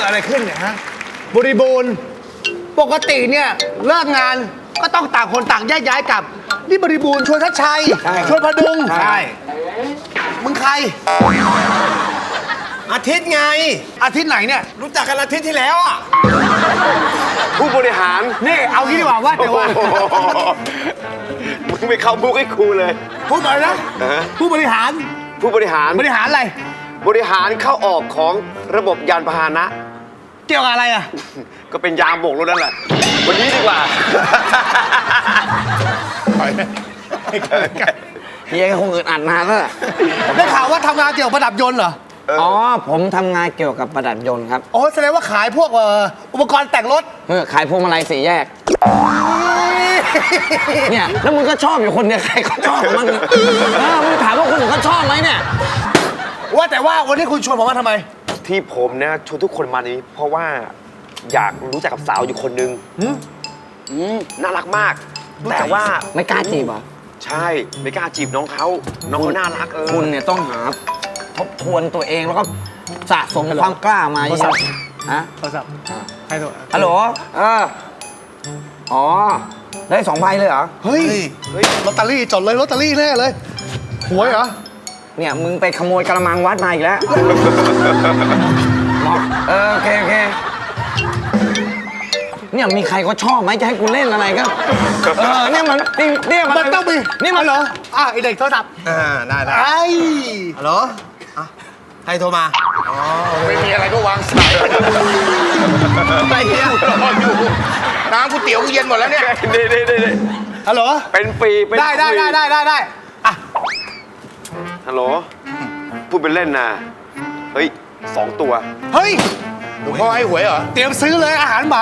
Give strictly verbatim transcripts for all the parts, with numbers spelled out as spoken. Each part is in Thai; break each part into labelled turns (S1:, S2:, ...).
S1: อะไรขึ้นเนี่ยฮะบริบูรณ์ปกติเนี่ยเลิกงานก็ต้องต่างคนต่างแยกย้ายกลับนี่บริบูรณ์ชวนทัชชัยชวนพดุงใช่มึงใครอาทิตย์ไงอาทิตย์ไหนเนี่ยรู้จักกันอาทิตย์ที่แล้วอ่ะ
S2: ผู้บริหาร
S1: นี่เอางี้ดีกว่าว่าแต่ว่า
S2: มึงไม่เข้าบุกให้ครูเลย
S1: พูดหน่อยนะผู้บริหาร
S2: ผู้บริหาร
S1: บริหารอะไร
S2: บริหารเข้าออกของระบบยานพาหนะ
S1: เกี่ยวกับอะไรอ่ะ
S2: ก็เป็นยามโบกรถนั่นแหละวันนี้ดีกว่า
S3: เฮียคงอึดอัดนานแล้ว
S1: ได้ข่าวว่าทำงานเกี่ยวกับประดับยนต์เหรอ
S3: อ๋อผมทำงานเกี่ยวกับประดับยนต์ครับ
S1: โอ้แสดงว่าขายพวกอุปกรณ์แต่งรถ
S3: เออขายพวงมาลัยสี่แยกเนี่ยแล้วมึงก็ชอบอยู่คนเดียวใครก็ชอบมันเออมึงถามว่าคนอื่นเขาชอบไหมเนี่ย
S1: ว่าแต่ว่าวันนี้คุณชวนผมมาทำไม
S2: ที่ผมเนี่ยชวนทุกคนมานี้เพราะว่าอยากรู้จักกับสาวอยู่คนนึงน่ารักมากแต่ว่า
S3: ไม่กล้าจีบเหรอ
S2: ใช่ไม่กล้าจีบน้องเขาน้องเขาน่ารักเออ
S3: คุณเนี่ยต้องหาทบทวนตัวเองแล้วก็สะสมความกล้ามาเยอะฮะ
S1: โทรศัพท์ใครโทร
S3: ฮัลโหลเอออ๋อได้สองใบเลยเหรอ
S1: เฮ้ยเฮ้ยลอตเตอรี่จดเลยลอตเตอรี่แน่เลยหวยเหรอ
S3: เนี่ยมึงไปขโมยกระมังวัดมาอีกแล้วเออโอเคโอเคเนี่ยมีใครก็ชอบไหมจะให้กูเล่นอะไรก็เออเนี่ยมันเนี่ย
S1: มันต้องมี
S3: นี่มัน
S1: เหรออ่ะไอเด็กโทรศัพท์
S4: อ่าได้ได้
S1: ไอ้
S4: ฮัลโหลใครโทรมา
S1: อ๋อไม่มีอะไรก็วางสาย
S4: ไปเนี่ยรออยู่น้ำก๋วยเตี๋ยวเย็นหมดแล้วเนี่ย
S2: เด้เด้เด้
S1: ฮัลโหล
S2: เป็นปีเป็น
S1: ได้ได้ได้ได้ได้ได้อ่ะ
S2: ฮัลโหลพูดเป็นเล่นนะเฮ้ยสองตัว
S1: เฮ้ย
S4: หลวงพ่อให้หวยเหรอ
S1: เตรียมซื้อเลยอาหารหมา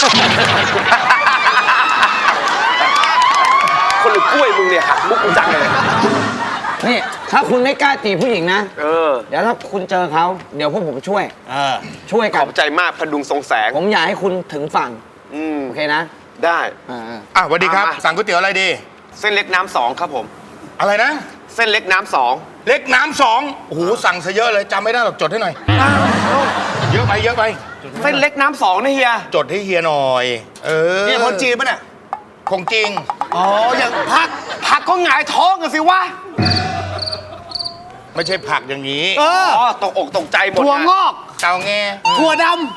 S2: คนหรือกล้วยมึงเนี่ยหักมุกกูจังเลย
S3: นี่ถ้าคุณไม่กล้าจีบผู้หญิงนะ
S2: เออ
S3: เดี๋ยวถ้าคุณเจอเขาเดี๋ยวพวกผมช่วยเออช่วยกัน
S2: ขอบใจมากพดุงทรงแสง
S3: ผมอยากให้คุณถึงฝั่ง
S2: อืม
S3: โอเคนะ
S2: ได้
S4: อ่ะสวัสดีครับสั่งก๋วยเตี๋ยวอะไรดี
S2: เส้นเล็กน้ำสองครับผม
S4: อะไรนะ
S2: เส้นเล็กน้ำสอง
S4: เล็กน้ำสองโอ้โหสั่งซะเยอะเลยจำไม่ได้หรอกจดให้หน่อยเยอะไปเยอะไป
S2: เส้นเล็กน้ำสองนะเฮีย
S4: จดให้เฮียหน่อยเออ
S1: นี่คนจีนปะเนี่ย
S4: คงจริง
S1: อ๋ออย่างผัก
S2: ผักก็หงายท้องกันสิวะ
S4: ไม่ใช่ผักอย่างนี้
S1: เออ
S2: ตกอกตกใจหมด
S1: ถั่วงอก
S4: เตาแง
S1: ถั่วดำ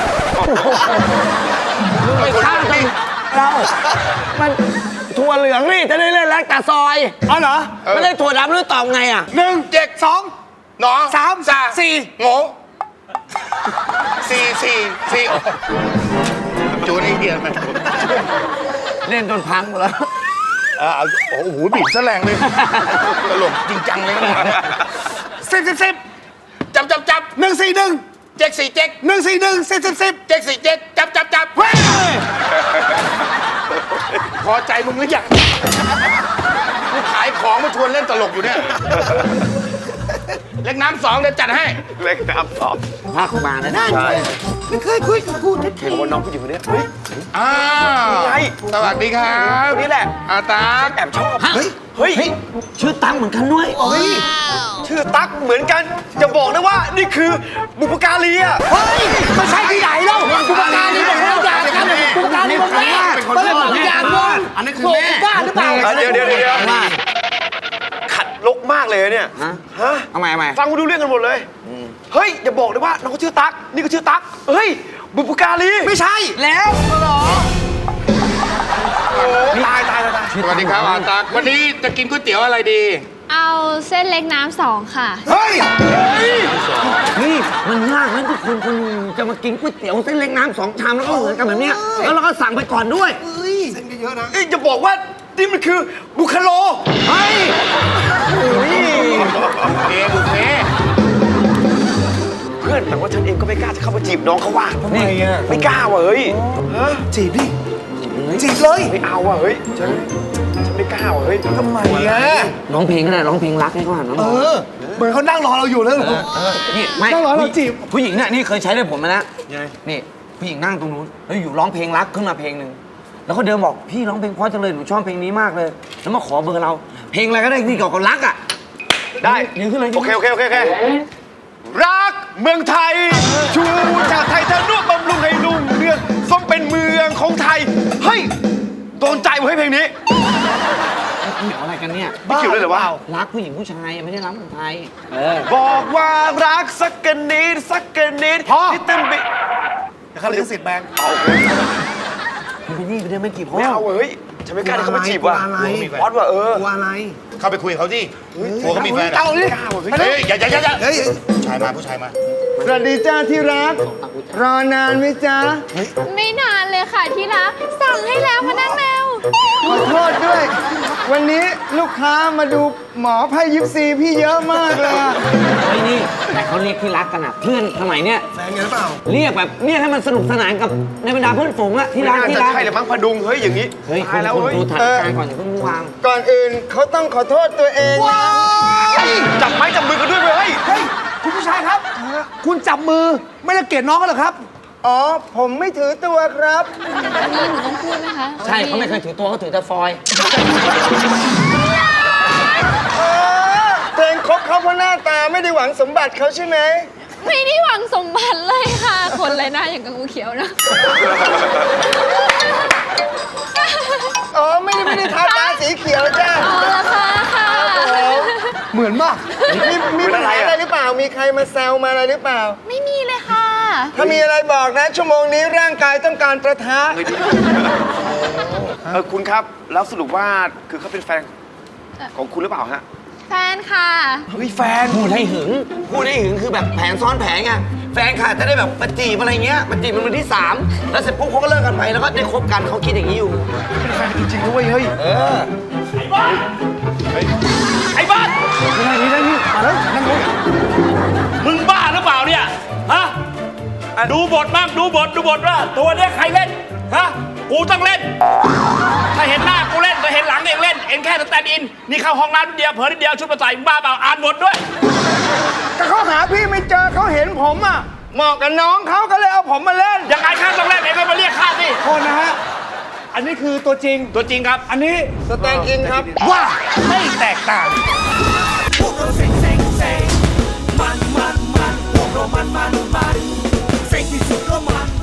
S3: ไม่ข้ามไปเรามันถั่วเหลืองนี่จะได้เล่นแลกตาซอย
S1: อ๋อเหรอ
S3: ไม่ได้ถั่วดำหรือตอบไงอ่ะ
S1: หนึ่งเจ็ดสอง
S4: หนอ
S1: สามสี่
S4: โง่สี่สี่สี่จูนี่เกียร์ไหม
S3: เล่นจนพังหมดแล้ว
S4: อ่าโอ้โหบีบซะแรงเลยตลกจริงจังเลยนะ
S1: สิบสิบสิบ
S4: จับจับจับ
S1: หนึ่งสี่หนึ่ง
S4: เจ็กสี่เจ็ก
S1: หนึ่งสี่หนึ่งสิบสิบสิบ
S4: เจ็กสี่เจ็กจับจับจับพอใจมึงหรือยังกูขายของมาชวนเล่นตลกอยู่เนี่ยเล็กน้ำสองเดี๋ยวจัดให้
S2: เล็กน้ำสอง
S3: พักมาแล้วได้
S1: ไม่เคยคุยกับกูเห็
S2: นว่าน้องผู้หญิงคนนี้เฮ้ย
S4: อ้าวสวัสดีครับ
S2: นี่แหละ
S4: อาตา
S2: แอบชอบ
S3: เฮ้ยเฮ้ยชื่อตั้งเหมือนกันด้วย
S1: เฮ้ย
S2: ชื่อตั๊กเหมือนกันจะบอกนะว่านี่คือบุพการีอ่ะ
S1: เฮ้ยไม่ใช่ที่ไหนแล้วบุพการีเป็นคนละอย่างกันบุพการีเป็นแม่เป็นคนละอย่างกัน
S4: อันนี้คือแม่
S1: บ้าหรือเปล่า
S2: เดี๋ยวเดี๋ยวเดี๋ยวขัดลกมากเลยเนี่ย
S3: ฮะ
S2: ฮะ
S3: ทำไมทำไม
S2: ฟังกูดูเรื่องกันหมดเลยเฮ้ยอย่าบอกเลยว่าน้องเขาชื่อตั๊กนี่ก็ชื่อตั๊กเฮ้ยบุพการี
S1: ไม่ใช่
S3: แล้วเหรอ
S2: ตายตายตาย
S4: สวัสดีครับอาตาวันนี้จะกินก๋วยเตี๋ยวอะไรดี
S5: เอาเส้นเล็กน้ำสองค่ะ
S1: เฮ้ย
S3: นี่มันยากนะทุกคนคนจะมากินก๋วยเตี๋ยวเส้นเล็กน้ำสองชามแล้วก็เหมือนกันแบบเนี้ยแล้วเราก็สั่งไปก่อนด้วย
S1: เส้นเยอะนะ
S2: จะบอกว่านี่มันคือบุคโล
S3: เฮ้ยโอ้ย
S4: เอบุฟเฟ่
S2: เพื่อนแต่ว่าฉันเองก็ไม่กล้าจะเข้ามาจีบน้องเขาว่า
S1: ทำไมอ่ะ
S2: ไม่กล้าว่ะเฮ้ย
S1: จีบดิจีบเลย
S2: ไม่เอาว่ะเฮ้ยฉันฉันไม่กล้าว่ะเฮ้ย
S1: ทำไมอ่ะ
S3: ร้องเพลงก็ได้ร้องเพลงรักให้เขาหันน้อง
S1: เออเหมือนเขานั่งรอเราอยู่แล้ว
S3: นี่ไม่
S1: นั่งรอเราจีบ
S3: ผู้หญิงเนี่ยนี่เคยใช้ได้ผลมาแล้วนี่ผู้หญิงนั่งตรงนู้นแล้วอยู่ร้องเพลงรักขึ้นมาเพลงหนึ่งแล้วเขาเดินบอกพี่ร้องเพลงเพราะจังเลยหนูชอบเพลงนี้มากเลยแล้วมาขอเบอร์เราเพลงอะไรก็ได้ที่เกี่ยวกับรักอ่ะ
S2: ได้
S3: ยืนขึ้นเลย
S2: โอเคโอเคโอเคโอเครักเมืองไทย ชูชาติไทยทะนุบำรุงให้รุ่งเรืองสมเป็นเมืองของไทย เฮ้ย โดนใจเว้ยเพลงนี้
S3: เกี่ยวอะไรกันเนี่ย
S2: ไม่เกี่ยวเลยเหรอวะ
S3: รักผู้หญิงผู้ชายไม่ได้รักคนไทย เออ
S2: บอกว่ารักสักกันนิดสักกันนิด
S1: พ่อ
S2: ที่เต็มไป
S1: เขาลิขสิทธิ์แบงค์
S3: มันเป็นนี่ไปเดินไม่กี่พ่อ
S2: ไม่เอาเว้ยฉันไม่กล้าที่เขามาจีบว่ะ
S1: กลัวอะไร
S2: ออสว่ะเออ
S1: กลัวอะไร
S4: เข้าไปคุยกับเขาสิกลัวเขามีแฟนอะ
S1: เอาดิ
S4: เฮ้ยอย่าอย่าอย่าอย่า
S1: เฮ้ย
S4: ผู้ชายมาผู้ชายมา
S1: สวัสดีจ้าที่รัก รอนานไหมจ๊ะ
S5: ไม่นานเลยค่ะที่รัก สั่งให้แล้วมานั่งเร็ว
S1: ขอโทษด้วย วันนี้ลูกค้ามาดูหมอไพ่ยิปซีพี่เยอะมากเลยอะ
S3: เฮ้ยนี่ แต่เขาเรียกที่รักกันอะเพื่อนสมัยเนี้ย
S1: แฟนกันหรือเปล่า
S3: เรียกแบบเรียกให้มันสนุกสนานกับในบรรดาเพื่อนฝูงอะที่
S2: ไม่
S3: รัก
S2: น่า
S3: ที่
S2: จะ
S3: รัก
S2: ใช่เลยมั้งพดุง เฮ้ย อย่างนี้
S3: เฮ้ยคุ
S2: ตา
S3: ณ
S2: ยแล้ว
S3: คุณ
S2: เฮ้ย
S3: ดูฐานการณ์ก่อนอย่าเพิ่งวาง
S1: ก่อนอื่นเขาต้องขอโทษตัวเองนะ
S2: จับไม้จับมือกันด้วยเว้ย
S1: เฮ้ย คุณผู้ชายครับ คุณจับมือไม่ได้เกลียดน้องกันเหรอครับ อ๋อ ผมไม่ถือตัวครับ
S5: อันนี้หนูต้องพูดไหมคะ
S3: ใช่เขาไม่เคยถือตัวเขาถือแต่ฟอยล์
S1: อ๋อเพลงคบเขาเพราะหน้าตาไม่ได้หวังสมบัติเขาใช่ไหม
S5: ไม่ได้หวังสมบัติเลยค่ะ คนเลยหน้าอย่างกับงูเขียวนะ
S1: อ๋อ ไม่ได้ไม่ได้ทาตาสีเขียวจ้า
S5: อ๋อละค่ะค่ะ
S1: เหมือนมาก มีมีปัญหาอะไรหรือเปล่า มีใครมาแซวมาอะไรหรือเปล่า
S5: ไม่มีเลยค่ะ
S1: ถ้ามีอะไรบอกนะ ชั่วโมงนี้ร่างกายต้องการประทะ
S2: เออคุณครับ แล้วสรุปว่าคือเขาเป็นแฟนของคุณหรือเปล่าฮะ
S5: แฟนค่ะ
S2: เฮ้ยแฟน
S3: พูดให้หึง พูดให้หึงคือแบบแผนซ้อนแผนไง แฟนค่ะจะได้แบบมาจีบอะไรเงี้ยมาจีบเป็นมือที่สามแล้วเสร็จปุ๊บเขาก็เลิกกันไปแล้วก็ได้คบกันเขาคิดอย่างนี้อยู่
S2: เป็นแฟนจริงๆด้วยเฮ้ย
S3: เออ
S6: ไอ้บ้าน
S3: ไม่ได้ไม่ได้นี่มาแล้วนั่งลง
S6: มึงบ้าหรือเปล่าเนี่ย ฮะ ดูบทบ้างดูบทดูบทว่าตัวเนี้ยใครเล่น ฮะ กูต้องเล่น ถ้าเห็นหน้ากูเล่นถ้าเห็นหลังเองเล่น เองแค่สแตนด์อิน นี่เข้าห้องน้ำนิดเดียวเผลอนิดเดียวชุดมาใส่มึงบ้าเปล่าอ่านบทด้วย
S1: ก็เขาหาพี่ไม่เจอเขาเห็นผมอ่ะ เหมาะกับน้องเขาก็เลยเอาผมมาเล่น
S6: ยังไงข้าต้องเล่นเองก็มาเรียกข้าสิ
S1: โทษนะฮะ อันนี้คือตัวจริง
S6: ตัวจริงครับ
S1: อันนี้สแตนด์อินครับ
S6: ว่าไม่แตกต่าง
S7: มันมันมันพวกเรามันมันมันเซ็งที่สุดก็มัน